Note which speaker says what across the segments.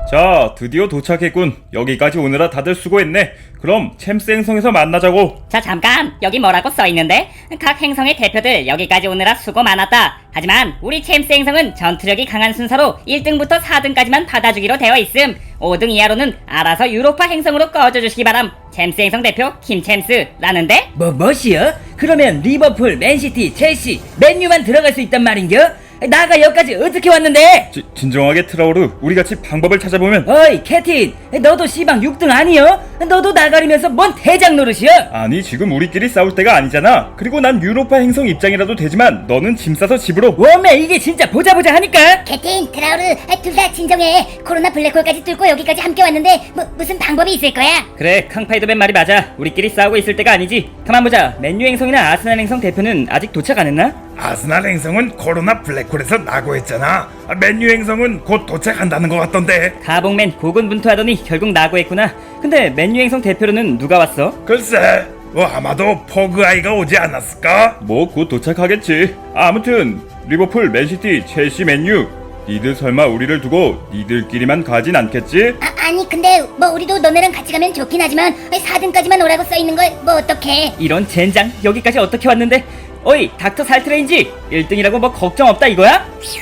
Speaker 1: 자, 드디어 도착했군. 여기까지 오느라 다들 수고했네. 그럼 챔스 행성에서 만나자고.
Speaker 2: 자, 잠깐! 여기 뭐라고 써있는데? 각 행성의 대표들 여기까지 오느라 수고 많았다. 하지만 우리 챔스 행성은 전투력이 강한 순서로 1등부터 4등까지만 받아주기로 되어 있음. 5등 이하로는 알아서 유로파 행성으로 꺼져주시기 바람. 챔스 행성 대표 김챔스라는데?
Speaker 3: 뭐시여? 그러면 리버풀, 맨시티, 첼시, 맨유만 들어갈 수 있단 말인겨? 나가 여기까지 어떻게 왔는데?
Speaker 1: 진정하게 트라우르, 우리 같이 방법을 찾아보면.
Speaker 3: 어이 캐틴, 너도 씨방 6등 아니여? 너도 나가리면서 뭔 대장 노릇이여?
Speaker 1: 아니, 지금 우리끼리 싸울 때가 아니잖아. 그리고 난 유로파 행성 입장이라도 되지만 너는 짐 싸서 집으로.
Speaker 3: 웜에 이게 진짜 보자 하니까.
Speaker 4: 캐틴, 트라우르, 둘 다 진정해. 코로나 블랙홀까지 뚫고 여기까지 함께 왔는데 무슨 방법이 있을 거야?
Speaker 2: 그래, 캉파이더맨 말이 맞아. 우리끼리 싸우고 있을 때가 아니지. 가만 보자. 맨유 행성이나 아스날 행성 대표는 아직 도착 안 했나?
Speaker 5: 아스날 행성은 코로나 블랙홀에서 나고했잖아. 맨유 행성은 곧 도착한다는 것 같던데.
Speaker 2: 가봉맨 고군분투하더니 결국 나고했구나. 근데 맨유 행성 대표로는 누가 왔어?
Speaker 5: 글쎄, 아마도 포그아이가 오지 않았을까?
Speaker 1: 뭐 곧 도착하겠지. 아무튼 리버풀, 맨시티, 첼시, 맨유. 니들 설마 우리를 두고 니들끼리만 가진 않겠지?
Speaker 4: 아니 근데 우리도 너네랑 같이 가면 좋긴 하지만 4등까지만 오라고 써있는 걸 어떡해.
Speaker 2: 이런 젠장, 여기까지 어떻게 왔는데? 어이, 닥터 살트레인지 1등이라고 뭐 걱정 없다 이거야?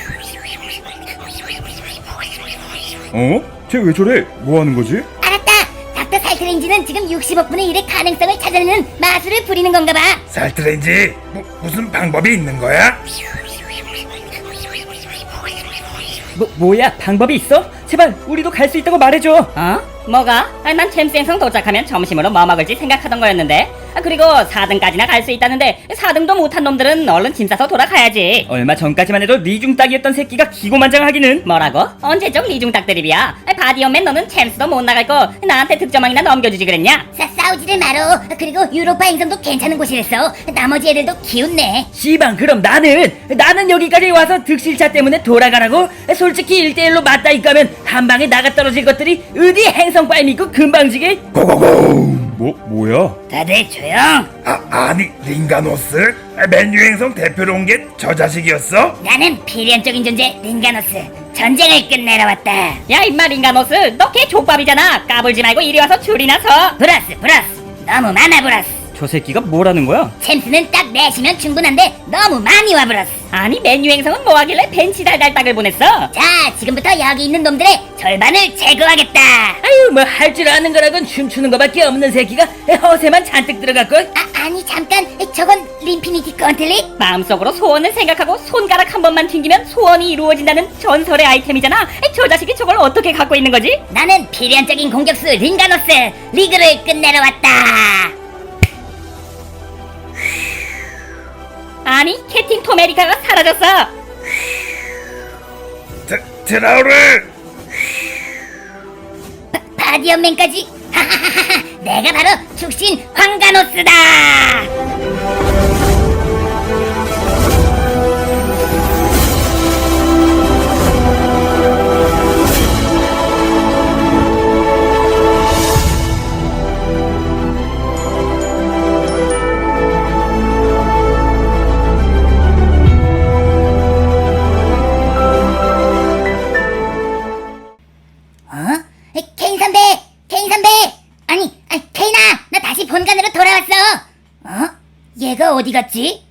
Speaker 1: 어? 쟤 왜 저래? 뭐 하는 거지?
Speaker 4: 알았다. 닥터 살트레인지는 지금 60억분의 1의 가능성을 찾아내는 마술을 부리는 건가 봐.
Speaker 5: 살트레인지, 무슨 방법이 있는 거야?
Speaker 2: 뭐야, 방법이 있어? 제발 우리도 갈 수 있다고 말해줘. 어? 뭐가? 난 챔스 행성 도착하면 점심으로 뭐 먹을지 생각하던 거였는데. 그리고 4등까지나 갈 수 있다는데 4등도 못한 놈들은 얼른 짐 싸서 돌아가야지. 얼마 전까지만 해도 리중딱이었던 새끼가 기고만장하기는. 뭐라고? 언제적 리중딱 드립이야? 바디언맨, 너는 챔스도 못 나갈 거 나한테 득점왕이나 넘겨주지 그랬냐?
Speaker 4: 싸우지를 말어. 그리고 유로파 행성도 괜찮은 곳이랬어. 나머지 애들도 기운내.
Speaker 3: 씨방 그럼 나는 여기까지 와서 득실차 때문에 돌아가라고? 솔직히 1대1로 맞다 이까면 한 방에 나가 떨어질 것들이 어디 행성 빨 믿고 금방지게?
Speaker 5: 고고고!
Speaker 1: 뭐야?
Speaker 3: 다들 조용.
Speaker 5: 아니, 링가노스? 맨유 행성 대표로 온 게 저 자식이었어?
Speaker 4: 나는 필연적인 존재 링가노스. 전쟁을 끝내러 왔다.
Speaker 2: 야 임마 링가노스, 너 걔 족밥이잖아. 까불지 말고 이리 와서 줄이나 서.
Speaker 4: 브라스 너무 많아 브라스.
Speaker 2: 저 새끼가 뭐라는 거야?
Speaker 4: 챔스는 딱 내시면 충분한데 너무 많이 와 브라스.
Speaker 2: 아니 맨유 행성은 뭐하길래 벤치 달달딱을 보냈어?
Speaker 4: 자, 지금부터 여기 있는 놈들의 절반을 제거하겠다.
Speaker 3: 아유 뭐 할 줄 아는 거라곤 춤추는 거밖에 없는 새끼가 허세만 잔뜩 들어갔걸.
Speaker 4: 아니 잠깐, 저건 림피니티 건틀리?
Speaker 2: 마음속으로 소원을 생각하고 손가락 한 번만 튕기면 소원이 이루어진다는 전설의 아이템이잖아. 저 자식이 저걸 어떻게 갖고 있는 거지?
Speaker 4: 나는 필연적인 공격수 링가노스. 리그를 끝내러 왔다.
Speaker 2: 아니 캡틴 토메리카가 사라졌어.
Speaker 5: 트라우르!
Speaker 4: 바디언맨까지. 하하하하. 내가 바로 축신 황가노스다. 케인 선배! 아니, 케인아! 나 다시 본관으로 돌아왔어! 얘가 어디 갔지?